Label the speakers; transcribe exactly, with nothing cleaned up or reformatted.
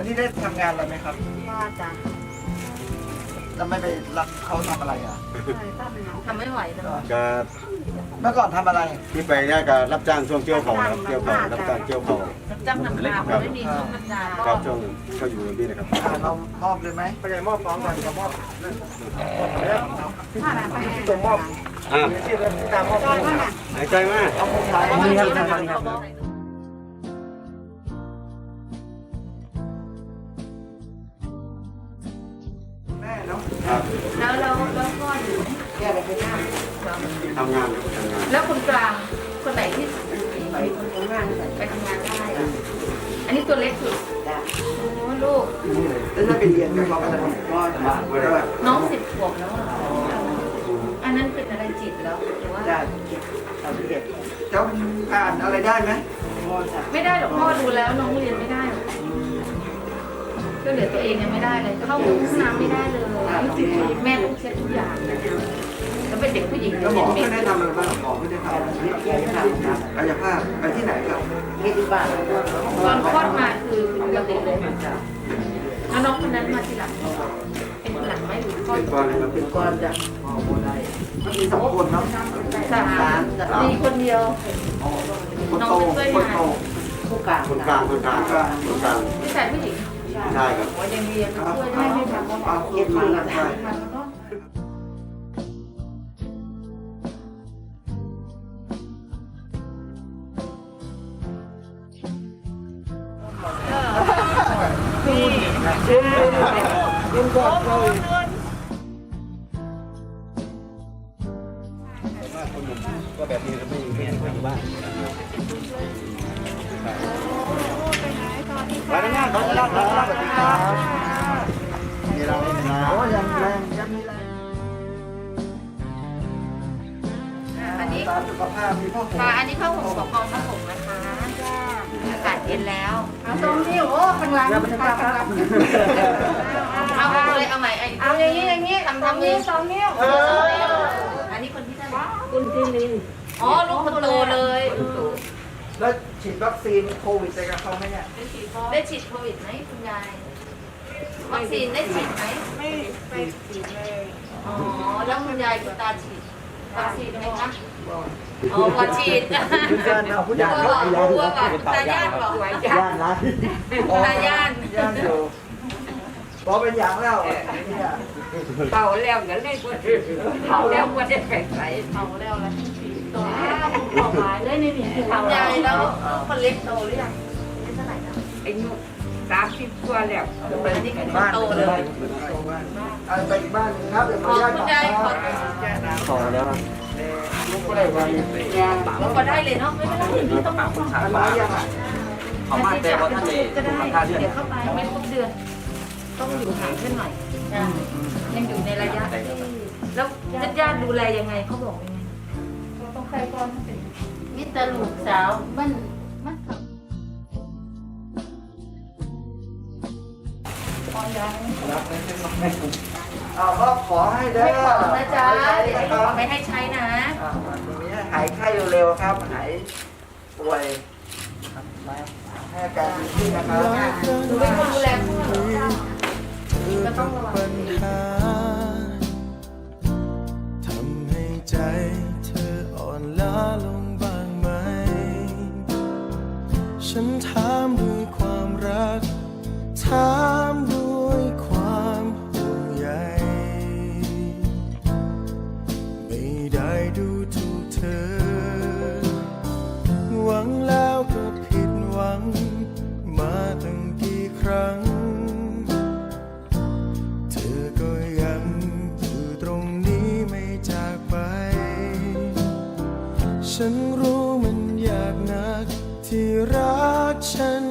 Speaker 1: อันนี้ได้ทำงานอะไรไหมครับ
Speaker 2: ว่าจ้ะ
Speaker 1: แล้วไม่ไปรับเขาทำอะไรอ่ะ
Speaker 2: ทำไม่ไหวแล้ว
Speaker 3: ก็
Speaker 1: เมื่อก่อนทำอะไร
Speaker 3: ที่ไปเนี่ยก็รับจ้างช่วงเกี่ยวเขาครับเกี่ยวเขารับจ้างเกี่ยวเขา
Speaker 2: จ้างนำนาเพราะไม่มีช่วงนำนา
Speaker 3: ครับช่วงหนึ่งก็อยู่ที่นะครับ
Speaker 1: อ่าเรามอบเลยไหมไปเลยมอบฟ้องก่อนจะมอบส่งมอบ
Speaker 3: อ่า
Speaker 1: ที่เราตามมอบ
Speaker 3: หายใจมาก
Speaker 1: เอาผู้ชายนี่ครับทางนี้ครับแม่เนาะ
Speaker 3: ครับ
Speaker 2: แล้วแล้วแล้วพ่ออยู่แกไปไปนั่ง
Speaker 3: ทำงานครับทำงาน
Speaker 2: แล้วคนกลางคนไหนที่ไปทำงานไปทำงานได้อะอันนี้ตัวเล็กสุดโอ้ลูก
Speaker 1: แล้วถ้าไปเรียนก็เขาก็จะก็จะมาด้วย
Speaker 2: น้องสิบขวบแล้วอะอันนั้นเป็นอะไรจิตแล้วหรือว่า
Speaker 1: ได้เอาไปเรียนเจ้าอ่านอะไรได้ไหม
Speaker 2: ไม่ได้หรอกพ่อดูแล้วน้องเรียนไม่ได้หรอกก็เหลือตัวเองยังไม่ได้เลยเข้าห้องน้ำไม่ได้เลยแม่ต้องเช็ดทุกอย่างแล้วเป็นเด็กผู้หญิง
Speaker 1: แล้วหมอ
Speaker 2: เด็ก
Speaker 1: ไม่
Speaker 2: เม็
Speaker 1: ได้
Speaker 2: ด
Speaker 1: ทำอะไรบ้างหมอไม่ได้ทำอะไรกายภาพไปที่ไหนครับ
Speaker 2: ตอนคลอดมาคือปกติเลยแล้วน้องคนนั้นมาทีหลังเป็นหลังไหมหรือคลอด
Speaker 3: เป็นก้อนนะครับเป็นก้อน
Speaker 1: จะมันมีสองคนเนาะ
Speaker 2: สามมีคนเดียว
Speaker 1: คนโตคนโต
Speaker 2: ผู้กลาง
Speaker 3: คนกลางคนกลางครับคนกลาง
Speaker 2: ผู้ชายผู้หญิง
Speaker 3: ใช่ครับ
Speaker 2: ว่ายังเรียนช่วยได้ไม่ทำ
Speaker 1: เอาเก็บมาแล้วใช่
Speaker 3: ก็แบบนี้ไม่ไม่ทำบ้านไปนะเนี่ยขอรับขอรับสวัสดีครับมีเราไม่มีเรา
Speaker 1: โอ้ยังแรงยังมีแรง
Speaker 2: อันนี้
Speaker 1: ตามสุขภาพมีพ่อผม
Speaker 2: ค่ะอันนี้ข้าวหงกับกองข้าวหงนะคะอากาศเย็นแล้วเอาตรงนี้โอ้ข้างหลังข้างหลังเอาเลยเอาใหม่เอาอย่างนี้อย่างนี้ทำทำนี้สองนิ้วอันนี้คนที่ได้คุณที่ลิงอ๋อลูกคนโตเลย
Speaker 1: แล้วฉีดวัคซีนโควิดไปกับเขาไหมเนี่ย
Speaker 2: ได้ฉีดโควิดไหมคุณยายวัคซีนได้ฉีดไหมไม่ไปฉีดเลยอ๋อแล้วคุณยายคุณตาฉีดวัคซีนไหมคะอ๋อก่อนฉีด
Speaker 1: คุณยายเอาผู้ใหญ่
Speaker 2: กลัว
Speaker 1: เขา
Speaker 2: กลัวก่อนตาญาติบอกไว้ญาติ
Speaker 1: นะ
Speaker 2: ตาญาติ
Speaker 1: ย่านอยู่บอกเป็นอย่างแล้วเนี่ย
Speaker 4: เผาแล้วก็เลยบ่เผาแล้วบ่ได้ไปใส่
Speaker 2: เผาแล้วแล้วตัวเผาหายเลยนี่นี่เผายายแล้วคนเล็กโตหรือยังอายุเท่าไหร่นะ
Speaker 4: อายุสามสิบกว่าแล้ว
Speaker 1: ไปบ้านโตเลยเอาไปอีกบ้านนึงครับเดี๋ยว
Speaker 2: ข
Speaker 1: ขอ
Speaker 2: อ
Speaker 1: อนุญาต
Speaker 2: คุณยายขอ
Speaker 1: ขอแล้วลูกก็ได้ไว้
Speaker 2: เราก็ได้เลยเนาะไม่เป็นไรนี่ต้องมาฟัง
Speaker 1: อันร้อยยังอ่ะ
Speaker 2: เขามาแต่ว่าท่านจะได้เดี๋ยวเข้าไปไม่ครบเดือน ต้องอยู่ห่างขึ้นหน่อยยังอยู่ในระยะที่แล้วญาติๆดูแลยังไงเขาบอกยังไงต้องใครก่อนมิตรลูกสาวมันมันทำ
Speaker 1: เอาก็ขอให้เด้อ
Speaker 2: ไม่ขอนะจ๊ะเดี๋ยวไม่ให้ใช้นะ
Speaker 1: ตรงนี้หายไข้เร็วๆครับ หายป่วยให้อาการดีขึ้นนะครับ
Speaker 2: หนูเป็นคนดูแลพ่อหนูก็ต้องระวัง
Speaker 5: ทำให้ใจเธออ่อนล้าลงบ้างไหม ฉันถามด้วยความรัก ถามด้วยความห่วงใยไม่ได้ดูถูกเธอ หวังแล้วก็ผิดหวังมาตั้งกี่ครั้ง เธอก็ยังอยู่ตรงนี้ไม่จากไป ฉันรู้มันยากนักที่รักฉัน